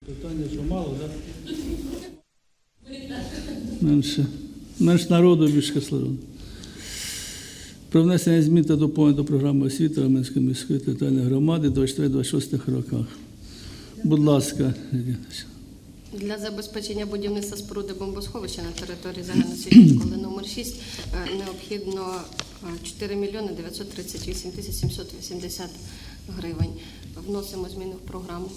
Питання, що мало, так? Менш народу, більш кислороду. Про внесення змін та доповнень до програми освіти Раменської міської територіальної громади 24-26 роках. Будь ласка, Для забезпечення будівництва споруди бомбосховища на території загальноосвітньої школи номер 6 необхідно 4 мільйони 938 тисяч 780 гривень. Вносимо зміни в програму.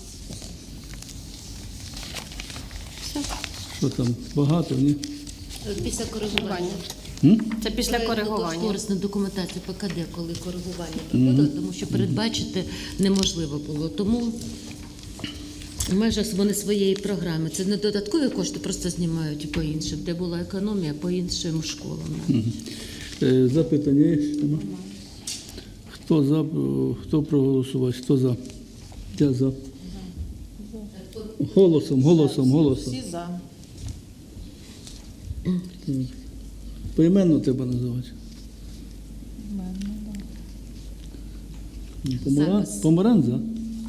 Все. що там, багато, ні? Після коригування. Це після коригування. Корисна документація ПКД, коли коригування проходило, тому що передбачити неможливо було. Тому в межах вони своєї програми. Це не додаткові кошти, просто знімають по іншим, де була економія по іншим школам. Запитання є? Хто за, хто проголосував? Хто за? Я за. Голосом. Всі за. Поіменно треба називати. Помаран за?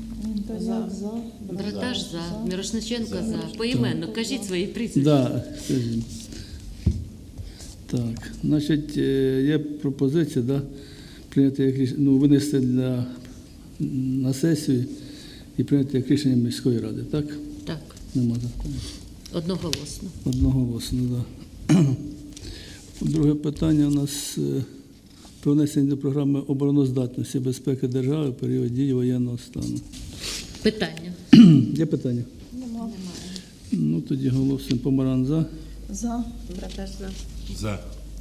Браташ за, Мірошниченко за. Поіменно, кажіть свої прізвища. Да, скажімо. Так, значить, є пропозиція, да, прийняти як рішення, ну, винести на сесію і прийняти як рішення міської ради, так? Так, Нема закону. одноголосно. Одноголосно, так. Да. Друге питання у нас про внесення до програми обороноздатності безпеки держави в період дії воєнного стану. Питання. Є питання? Немає. Ну, тоді голосуємо. Помаран за. За. Браташ за. За.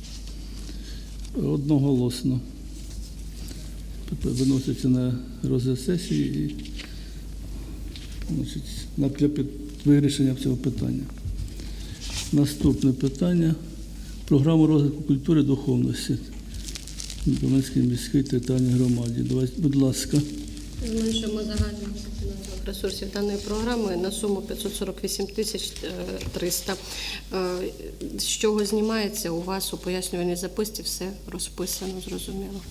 Одноголосно. Виноситься на розгляд сесії і, значить, для вирішення цього питання. Наступне питання. Програма розвитку культури і духовності Раменської міської територіальної громади. Будь ласка. Зменшуємо загальний фінансових ресурсів даної програми на суму 548 тисяч 300. З чого знімається, у вас у пояснювальній записці все розписано, зрозуміло.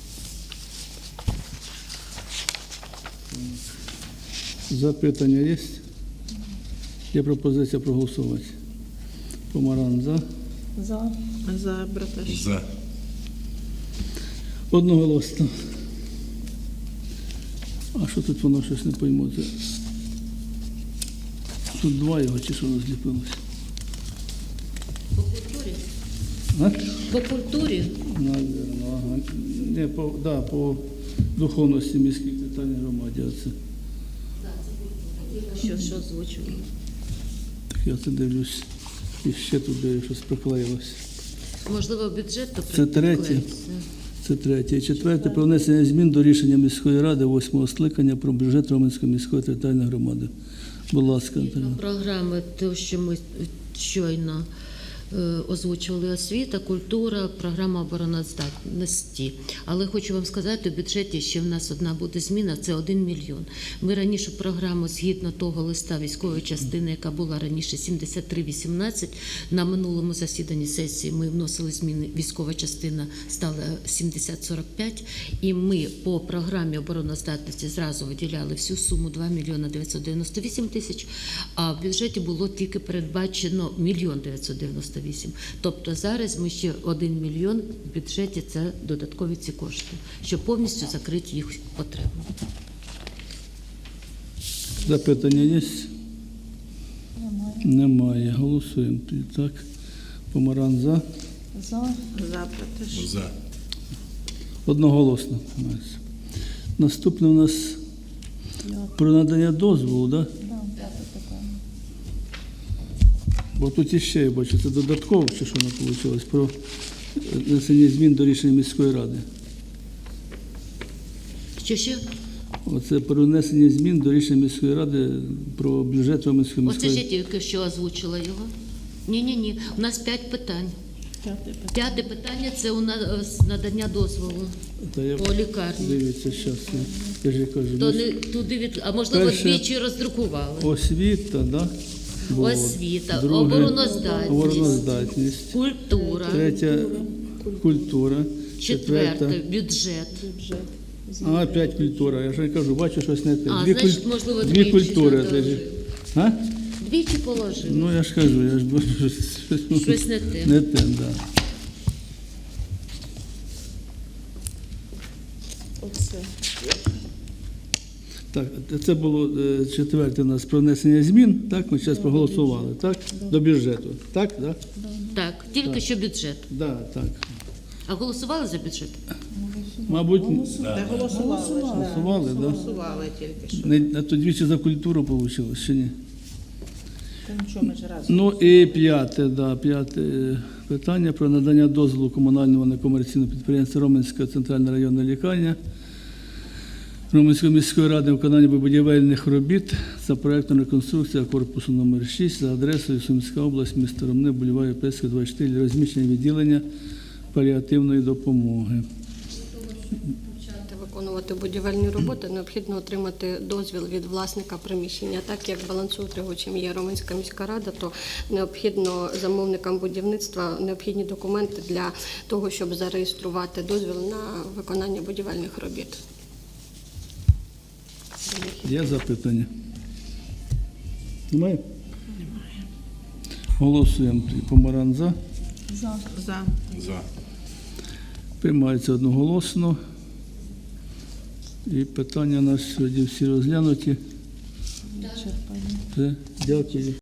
Запитання є? Є пропозиція проголосувати. Помаран за. За. За. Браташ. За. Одноголосно. А що тут воно щось не пойму? Це... Тут два його чи що розліпилося? По культурі? А? По культурі? Наверно, ага. Не, по духовності міській територіальній громаді. Оце. Що озвучували? Так я це дивлюсь. І ще туди щось приклеїлося. Можливо, бюджет то Це третє. Це третє. І четверте. Про внесення змін до рішення міської ради 8-го скликання про бюджет Раменської міської територіальної громади. Будь ласка, Антоніна. Програми, те, що ми щойно озвучували: освіта, культура, програма обороноздатності. Але хочу вам сказати, у бюджеті ще в нас одна буде зміна, це 1 мільйон. Ми раніше програму, згідно того листа військової частини, яка була раніше 7318, на минулому засіданні сесії ми вносили зміни, військова частина стала 7045, і ми по програмі обороноздатності зразу виділяли всю суму 2 мільйона 998 тисяч, а в бюджеті було тільки передбачено 1 мільйон 998. Тобто зараз ми ще 1 мільйон в бюджеті, це додаткові ці кошти, щоб повністю закрити їх потребу. Запитання є? Немає. Голосуємо. Так. Помаран за. За. За. Браташ. За. Одноголосно. Наступне у нас про надання дозволу, так? Да? Да, п'яте питання. Бо тут іще, я бачу, це додатково, чи що воно вийшло, про внесення змін до рішення міської ради. Що ще? Оце про внесення змін до рішення міської ради про бюджет Раменської міської Оце ради. ж я тільки що озвучила його. Ні. У нас 5 питань. П'яте питання – це у нас надання дозволу по лікарні. Дивіться, зараз, я ж кажу. То не туди а можливо Перше- двічі роздрукували. Освіта, да? Було. Освіта, Друге обороноздатність, обороноздатність. культура, Третя культура. четверте бюджет. А, 5 культура. Я ж кажу, бачу щось не те. А, значить, можливо, дві двічі культури. надали. А? Двічі положили. Ну, я ж кажу, я ж бачу, Щось не те. Не те, да. Оце. Так, це було четверте у нас про внесення змін, так, ми зараз проголосували, так, до бюджету, так, да? Так, тільки що бюджет. Да, так. А голосували за бюджет? Мабуть, Та голосували ж, да. голосували, да? Голосували тільки що. А то двічі за культуру вийшло, чи ні? Та нічого, ми ж разом. Ну і п'яте питання про надання дозволу комунального некомерційного підприємства Роменська центральна районна лікарня Роменської міської ради виконання будівельних робіт за проєктом реконструкція корпусу номер 6 за адресою Сумська область, місто Ромни, бульвар Європейська, 24, для розміщення відділення паліативної допомоги. Почати виконувати будівельні роботи, необхідно отримати дозвіл від власника приміщення. Так як балансоутримувачем є Роменська міська рада, то необхідно замовникам будівництва необхідні документи для того, щоб зареєструвати дозвіл на виконання будівельних робіт. Є запитання? Немає? Голосуємо. Помаран за. За. Приймається одноголосно. І питання у нас сьогодні всі розглянуті. Все, дякую.